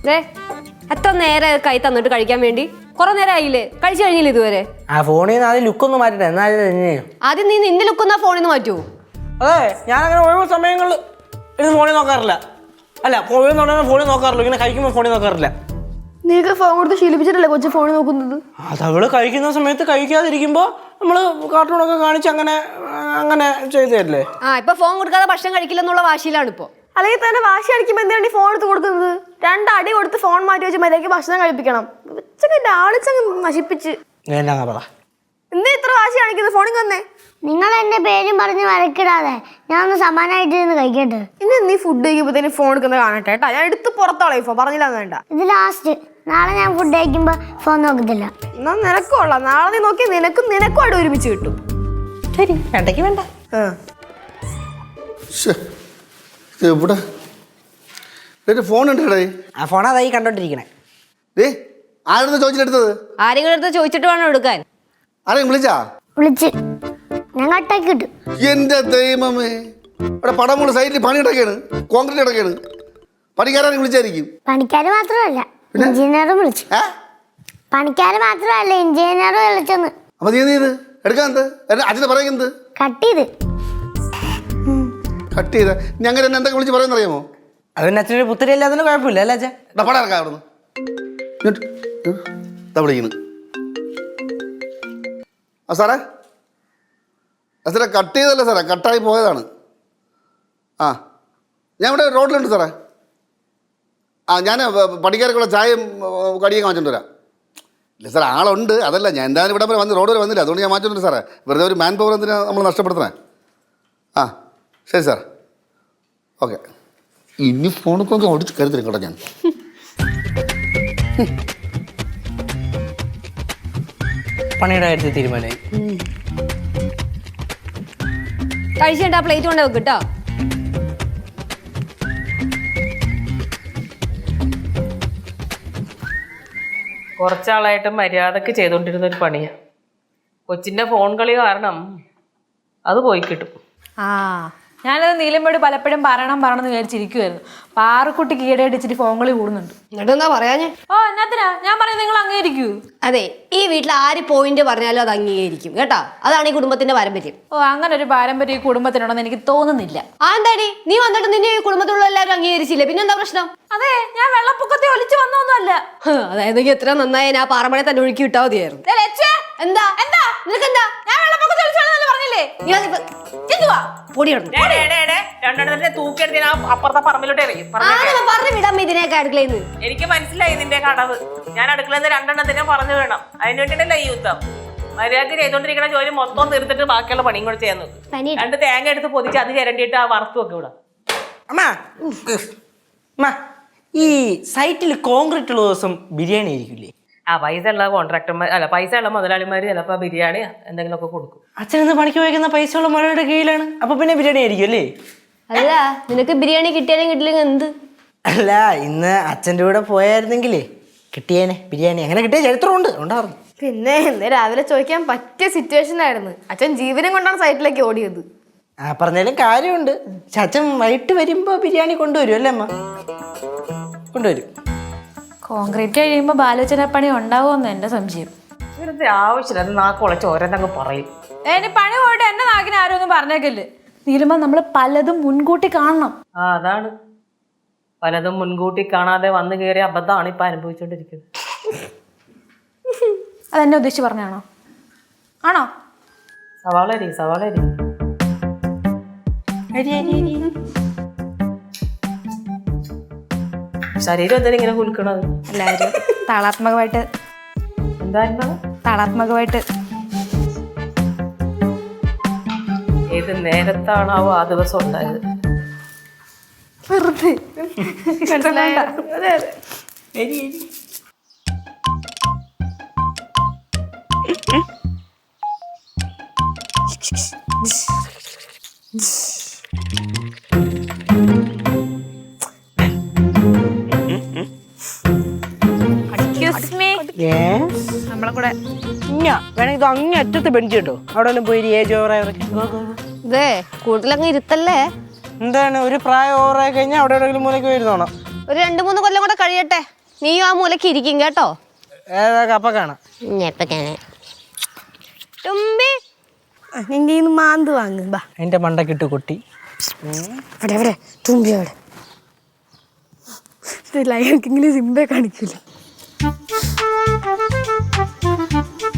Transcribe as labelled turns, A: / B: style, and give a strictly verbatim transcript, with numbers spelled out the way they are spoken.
A: എത്ര നേരെ കൈ തന്നിട്ട് കഴിക്കാൻ വേണ്ടി കുറെ നേരം ആയില്ലേ കഴിച്ചു കഴിഞ്ഞില്ല ഇതുവരെ
B: ആ ഫോണിൽ നിന്ന് ആദ്യം ലുക്കൊന്ന് മാറ്റട്ടെ എന്നാലും
A: ആദ്യം നീ നിന്റെ ലുക്കൊന്ന് ഫോണിൽ നിന്ന് മാറ്റുമോ
B: അതെ ഞാനങ്ങനെ ഒഴിവ് സമയങ്ങളിൽ ഇത് ഫോണിൽ നോക്കാറില്ല അല്ല ഒഴിവ് നോക്കാൻ ഫോണിൽ നോക്കാറില്ല ഇങ്ങനെ കഴിക്കുമ്പോൾ ഫോണിൽ നോക്കാറില്ല
A: നീക്ക് ഫോൺ കൊടുത്ത് ശീലിപ്പിച്ചിട്ടല്ലേ കൊച്ചു ഫോണിൽ നോക്കുന്നത്
B: അത് അവള് കഴിക്കുന്ന സമയത്ത് കഴിക്കാതിരിക്കുമ്പോൾ നമ്മള് കാർട്ടൂണൊക്കെ കാണിച്ച് അങ്ങനെ അങ്ങനെ ചെയ്തല്ലേ
A: ആ ഇപ്പൊ ഫോൺ കൊടുക്കാതെ ഭക്ഷണം കഴിക്കില്ലെന്നുള്ള വാശിയിലാണ് ഇപ്പൊ
C: അല്ലെങ്കിൽ തന്നെ വാശി അടിക്കുമ്പോൾ എന്തിനാണ് ഈ ഫോൺ എടുത്ത് കൊടുക്കുന്നത് രണ്ടടി കൊടുത്ത് ഫോൺ മാറ്റി വെച്ച് മര്യാദയ്ക്ക് ഭക്ഷണം കഴിപ്പിക്കണം ഉച്ചക്ക് ലാളിച്ചങ്ങ് നശിപ്പിച്ച്
B: എന്നാ പറ
C: എന്താ ഇത്ര വാശി കാണിക്കുന്നത് ഫോണിൽ വന്നേ
D: നിങ്ങൾ എന്റെ പേരും പറഞ്ഞ് വരക്കിടാതെ ഞാൻ ഒന്ന് സമാനായിട്ട് ഇരുന്ന് കഴിക്കട്ടെ
C: ഇനി നീ ഫുഡ് കഴിക്കുമ്പോഴത്തേന് ഫോൺ എടുക്കുന്നത് കാണട്ടെ കേട്ടാ ഞാൻ എടുത്ത് പുറത്തോളെ ഇപ്പൊ പറഞ്ഞില്ല വേണ്ട
D: ഇത് ലാസ്റ്റ് നാളെ ഞാൻ ഫുഡ് കഴിക്കുമ്പോ ഫോൺ നോക്കത്തില്ല
C: എന്നാ നിനക്കും ഉള്ള നാളെ നീ നോക്കി നിനക്കും നിനക്കും അവിടെ ഒരുമിച്ച് കിട്ടും
B: ശരി വേണ്ടക്ക് വേണ്ട
E: എവിടെ ഫോൺ ഉണ്ട്
B: ആ ഫോൺ അതായി കണ്ടോണ്ടിരിക്കണേ
E: ഏ ആരെടുത്ത് ചോദിച്ചിട്ടെടുത്തത്
A: ആരെങ്കിലും അടുത്ത് ചോദിച്ചിട്ട് വേണം എടുക്കാൻ
E: ആരെയും വിളിച്ചാ
D: വിളിച്ച് ഞാൻ കട്ടാക്കി കിട്ടും
E: എന്റെ ദൈവമേ ഇവിടെ പടമുള്ള സൈറ്റിൽ പണി ഇടയ്ക്കാണ് കോൺക്രീറ്റ് ഇടയ്ക്കാണ് പണിക്കാരെ വിളിച്ചായിരിക്കും
D: പണിക്കാര് മാത്രമല്ല എഞ്ചിനീയറും വിളിച്ചു
E: ഏ
D: പണിക്കാര് മാത്രമല്ല എഞ്ചിനീയറും വിളിച്ചെന്ന്
E: അപ്പൊ നീ എന്ത് എടുക്കാൻ എന്ത് അച്ഛനെ പറയുന്നത്
D: കട്ട് ചെയ്ത്
E: കട്ട് ചെയ്ത ഞങ്ങൾ എന്നെ എന്തൊക്കെ വിളിച്ച് പറയുന്ന അറിയാമോ
B: അതിന് അച്ഛനൊരു പുത്തരി അല്ലാതെ കുഴപ്പമില്ല അല്ലേ അച്ഛൻ
E: പടം ഇറക്കാം അവിടെ നിന്ന് വിളിക്കുന്നു ആ സാറേ ആ സാറേ കട്ട് ചെയ്തല്ലേ സാറേ കട്ടായി പോയതാണ് ആ ഞാൻ ഇവിടെ റോഡിലുണ്ട് സാറേ ആ ഞാൻ പണിക്കാർക്കുള്ള ചായയും കടിയൊക്കെ മാറ്റിട്ട് വരാം ഇല്ല സാർ ആളുണ്ട് അതല്ല ഞാൻ എന്തായാലും ഇവിടെ വരെ വന്ന് റോഡ് വരെ വന്നില്ല അതുകൊണ്ട് ഞാൻ മാറ്റിട്ടുണ്ട് സാറേ വെറുതെ ഒരു മാൻ പവർ എന്തിനാ നമ്മൾ നഷ്ടപ്പെടുത്തണേ ആ ശരി സാർ ഓക്കെ ഇനി ഫോണൊക്കെ ഓടിച്ച് കരുതരും കേട്ടോ ഞാൻ
B: പണിയുടെ കാര്യത്തിൽ തീരുമാനമായി
A: കഴിച്ചിട്ട് ആ പ്ലേറ്റ് കൊണ്ട് വെക്ക് കേട്ടോ
F: കുറച്ചാളായിട്ട് മര്യാദക്ക് ചെയ്തുകൊണ്ടിരുന്ന ഒരു പണിയാണ് കൊച്ചിൻ്റെ ഫോൺ കളി കാരണം അത് പോയി കിട്ടും
G: ആ ഞാനത് നീലമ്മയോട് പലപ്പോഴും പറയണം പറയണമെന്ന് വിചാരിച്ചിരിക്കുമായിരുന്നു പാറക്കുട്ടിക്ക് ഈടയടിച്ചിട്ട് ഫോൺ കളി കൂടുന്നുണ്ട്
A: എന്നിട്ട് എന്താ പറയാഞ്ഞേ
G: ഓ എന്നാത്തിനാ ഞാൻ പറയുന്നത് നിങ്ങൾ അംഗീകരിക്കൂ
A: അതെ ഈ വീട്ടിൽ ആര് പോയിന്റ് പറഞ്ഞാലും അത് അംഗീകരിക്കും കേട്ടോ അതാണ് ഈ കുടുംബത്തിന്റെ പാരമ്പര്യം
G: ഓ അങ്ങനെ ഒരു പാരമ്പര്യം ഈ കുടുംബത്തിനുണ്ടെന്ന് എനിക്ക് തോന്നുന്നില്ല
A: ആ എന്താടി നീ വന്നിട്ട് നിന്നെ ഈ കുടുംബത്തിലുള്ള എല്ലാവരും അംഗീകരിച്ചില്ലേ പിന്നെന്താ പ്രശ്നം
G: അതെ ഞാൻ വെള്ളപ്പൊക്കത്തെ ഒലിച്ചു വന്നൊന്നുമല്ല
A: അതായത് എത്ര നന്നായി ഞാൻ പാറമഴ തന്നെ ഒഴുക്കി വിട്ടാ മതിയായിരുന്നു എന്താ എന്താ നിനക്കെന്താ
G: ഞാൻ വെള്ളപ്പൊക്കത്തെ ഒലിച്ചു പറഞ്ഞില്ലേ
F: രണ്ടെണ്ണത്തിന്റെ തൂക്കിയെടുത്ത് ഞാൻ അപ്പുറത്തെ പറമ്പിലോട്ട് എറിയും
A: പറഞ്ഞു വിടാം ഇതിനൊക്കെ അടുക്കളയിൽ
F: എനിക്ക് മനസ്സിലായി ഇതിന്റെ കടവ് ഞാൻ അടുക്കളയിൽ നിന്ന് രണ്ടെണ്ണത്തിനെ പറഞ്ഞു വേണം അതിന് വേണ്ടിയിട്ടല്ല ഈ യുദ്ധം മര്യാദക്ക് ചെയ്തോണ്ടിരിക്കുന്ന ജോലി മൊത്തം തീർത്തിട്ട് ബാക്കിയുള്ള പണിയും കൂടെ ചെയ്യാൻ നോക്കും രണ്ട് തേങ്ങ എടുത്ത് പൊതിച്ച് അത് ചിരണ്ടിയിട്ട് ആ വറുത്തു വെക്കും ഇവിടെ
B: അമ്മ അമ്മ ഈ സൈറ്റിൽ കോൺക്രീറ്റ് ഉള്ള ദിവസം ബിരിയാണി ആയിരിക്കില്ലേ
F: ആ പൈസ ഉള്ള കോൺട്രാക്ടർമാർ അല്ല പൈസ ഉള്ള മുതലാളിമാർ ചിലപ്പോൾ ബിരിയാണി എന്തെങ്കിലുമൊക്കെ കൊടുക്കും
B: അച്ഛനെന്ന് പണിക്ക് വയ്ക്കുന്ന പൈസ ഉള്ള മഴയുടെ കീഴിലാണ് അപ്പൊ പിന്നെ ബിരിയാണി ആയിരിക്കും അല്ലേ
A: അല്ല നിനക്ക് ബിരിയാണി കിട്ടിയാലും കിട്ടില്ലെങ്കിൽ എന്ത്
B: അല്ല ഇന്ന് അച്ഛൻ്റെ കൂടെ പോയായിരുന്നെങ്കിലേ കിട്ടിയേനെ ബിരിയാണി അങ്ങനെ കിട്ടിയ ചരിത്രമുണ്ട് ഉണ്ടായിരുന്നു
C: പിന്നെ ഇന്ന് രാവിലെ ചോദിക്കാൻ പറ്റിയ സിറ്റുവേഷൻ ആയിരുന്നു അച്ഛൻ ജീവനം കൊണ്ടാണ് സൈറ്റിലേക്ക് ഓടിയത്
B: ആ പറഞ്ഞാലും കാര്യമുണ്ട് പക്ഷെ അച്ഛൻ വൈകിട്ട് വരുമ്പോ ബിരിയാണി കൊണ്ടുവരും അല്ലേ അമ്മ കൊണ്ടുവരും
G: കോൺക്രീറ്റ് കഴിയുമ്പോൾ ബാലോചന പണി ഉണ്ടാവുമെന്ന് എന്റെ സംശയം
F: ഇവരുടെ ആവശ്യമില്ല അത് നാക്കുളച്ച് ഓരോന്നങ്ങ് പറയും
G: ഇനി പണി പോയിട്ട് എന്റെ നാക്കിന് ആരും ഒന്നും പറഞ്ഞേക്കല്ലേ നീലുമ്പോ നമ്മള് പലതും മുൻകൂട്ടി കാണണം
F: ആ അതാണ് പലതും മുൻകൂട്ടി കാണാതെ വന്നു കയറിയ അബദ്ധമാണ് ഇപ്പൊ അനുഭവിച്ചോണ്ടിരിക്കുന്നത്
G: അതെന്നെ ഉദ്ദേശിച്ച് പറഞ്ഞാണോ ആണോ
F: സവാളരി സവാളരി ശരീരം എന്തിനാ ഇങ്ങനെ കുലുക്കണത്
G: എല്ലാവരും താളാത്മകമായിട്ട്
F: എന്തായിരുന്നു
G: താളാത്മകമായിട്ട്
F: ഏത് നേരത്താണാവോ ആ ദിവസം ഉണ്ടായത്
C: വെറുതെ മനസ്സിലായോ? അതെ അതെ
G: നമ്മളെ കൂടെ
B: വേണമെങ്കിൽ ഇത് അങ്ങേ അറ്റത്ത് ബെഞ്ച് കേട്ടോ അവിടെ പോയി ഏജ് ഓവറായവരൊക്കെ
A: ഇതേ കൂടുതലങ്ങ് ഇരുത്തല്ലേ
B: എന്താണ് ഒരു പ്രായം ഓവറായി കഴിഞ്ഞാൽ അവിടെ എവിടെയെങ്കിലും മൂലയ്ക്ക് വരുന്നോണം
A: ഒരു രണ്ടു മൂന്ന് കൊല്ലം കൂടെ കഴിയട്ടെ നീയും ആ മൂലക്ക് ഇരിക്കും കേട്ടോ.
B: ഏതാ കപ്പക്കാണ്
C: തുമ്പി നിന്റെ കയ്യിൽ നിന്ന് മാന്ത് വാങ്ങ് ബാ.
B: എൻ്റെ മണ്ടക്കിട്ട് കൊട്ടി.
C: ഇവിടെ എവിടെ തുമ്പി അവിടെ ലയൺക്കിങ്ങില് സിംബെ കാണിക്കൂല.